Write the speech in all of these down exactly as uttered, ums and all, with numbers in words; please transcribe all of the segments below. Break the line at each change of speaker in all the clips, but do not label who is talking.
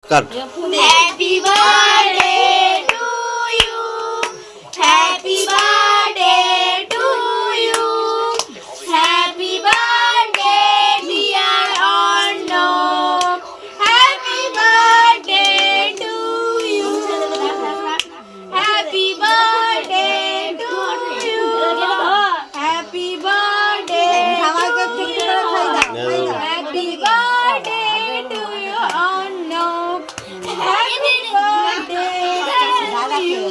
Cut.
Happy birthday to you, happy birthday to you, happy birthday dear Arnab, happy birthday to you, happy birthday to you, happy birthday
সবাইকে একটু একটু করে খাই দাও, খাই দাও।
Happy birthday to you Arnab, happy birthday to you.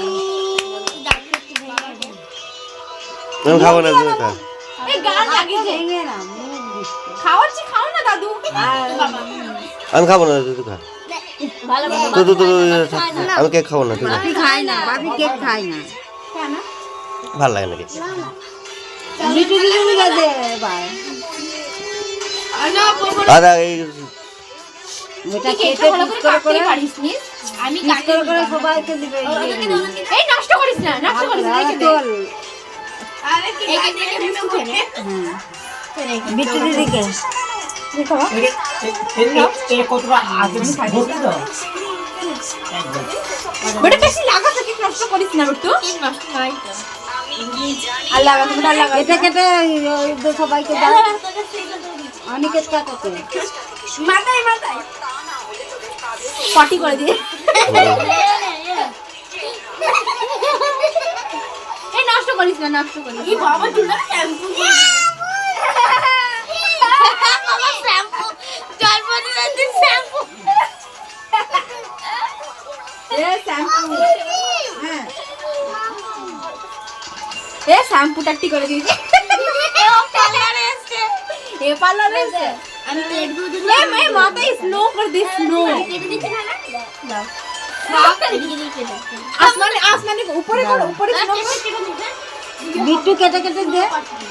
আমি খাবো না, তুমি খা।
এই গান লাগিয়েছে,
ভেঙে না, মুখ দিচ্ছে।
খাওয়াচ্ছি, খাও না দাদু। বাবা
আমি খাবো না, তুই খা।
ভালো
তো তো তো আমি কেক খাবো না, তুই খা।
বাপি খায় না, বাপি কেক খায় না।
কেন?
ভালো লাগে না কেক।
লিটু লিটু দিকে দে এবার।
অর্ণব বলো,
দাদা এই
ওটা
কেকটা
কেটে
ভালো
পিস
করে
করে
কাটতে
করে
পারিস নি? আমি
পিস
কাটতে
করে করে সবাইকে দিবে।
এই নষ্ট করিস না, নষ্ট করিস না, রেখে দে।
তোল।
আরে কি গাইতে রেখে দে।
হ্যাঁ, বিট্টু দিদিকে।
বেটা বেশি লাগাছে, কেক নষ্ট করিস না বেটু। কেক নষ্ট নয় তো। আর লাগাতে বেটা লাগা।
কেটে কেটে ওই দে সবাইকে দাও। অনেকের কাটাতে।
মাথায় মাথায় পটি করে দিয়ে। এই নষ্ট করিস না, নষ্ট করিস। এই বাবা চুলা শ্যাম্পু। বাবা শ্যাম্পু, জন্মদিনের দিন শ্যাম্পু। এ শ্যাম্পু। হ্যাঁ। এ শ্যাম্পু টাটি করে দিয়েছি। এ পার্লারে এসে। এ পার্লারে এসে। আমি প্লেট গুলো দিই। এ মে মাথায় স্নো করে দিস, স্নো। কেটে দিচ্ছি না না? দাও। আসমানে আসমানে উপরে করো, উপরে স্নো করে।
বিট্টু কেটে কেটে দে।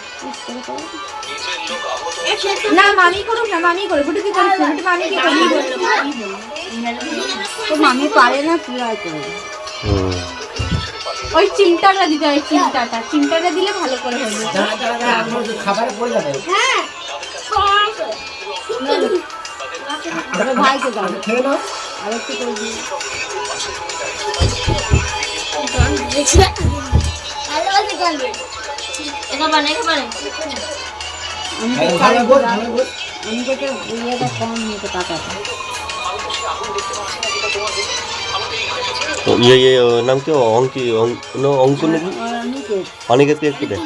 না মামি করুক না, মামি করে বুটি কি করিস না, বুটি মামি কি করবি?
তো মামি পারে না, পুরাই করে দে।
হুম।
ওই চিমটাটা দিতে হয়, চিমটাটা চিমটাটা দিলে ভালো করে হবে।
খাবারে পড়ে যাবে।
হ্যাঁ
তোর ভাইকে দাও।
খেয়ে নাও।
আর একটু করে দিই। আমি তো খাই
ভালো বল,
না।
ভালো বল।
আমি তো কেউ ইয়েটা কম নিতে টাকাটা।
তো ইয়ে ইয়ে ওর নাম কি? অঙ্কি অঙ্ক ন- অঙ্ক নাকি?
আর আমি কে?
অনেকের তুই একটু দে।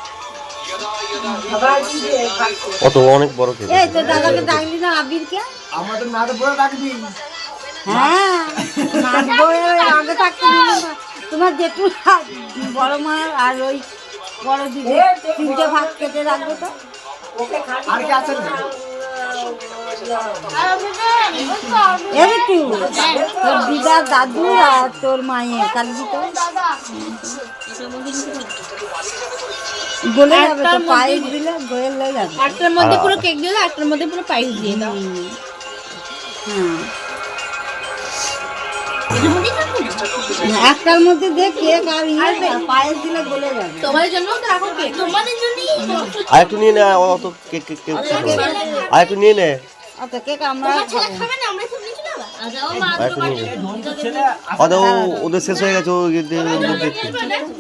অত অনেক বড় কেক।
এই তো দাদাকে ডাকলি না আবিরকে?
আমাদের নাড়ে পড়ে রাখবি।
হ্যাঁ, নাচবো, ওই আগে থাকতে দিল না। তোমার জেঠু বড় মা আর ওই বড় দিদি তিনটে ভাগ কেটে রাখবে তো।
আর কি আছেন না?
এই তুই তোর দিদার দাদু আর তোর মায়ের কালজি তো গলে যাবে তো, পায়েস দিলে গলে যাবে।
একটার মধ্যে পুরো কেক দিয়ে দাও, একটার মধ্যে পুরো পায়েস দিয়ে দাও।
হ্যাঁ, একটার মধ্যে দে কেক আর ইয়ে, আর পায়েস দিলে গলে যাবে।
তোমাদের জন্য তো রাখো কেক, তোমাদের জন্যই।
আর একটু নিয়ে নে, অত কেক কেক কেক খাবো না। আর একটু নিয়ে নে,
আচ্ছা কেক আমরা খাবো।
খাবে না, আমরা সব নিচে যাবা।
আর একটু নিয়ে নে।
ছেলে
অত ও- ওদের শেষ হয়ে গেছে, ও দেখতে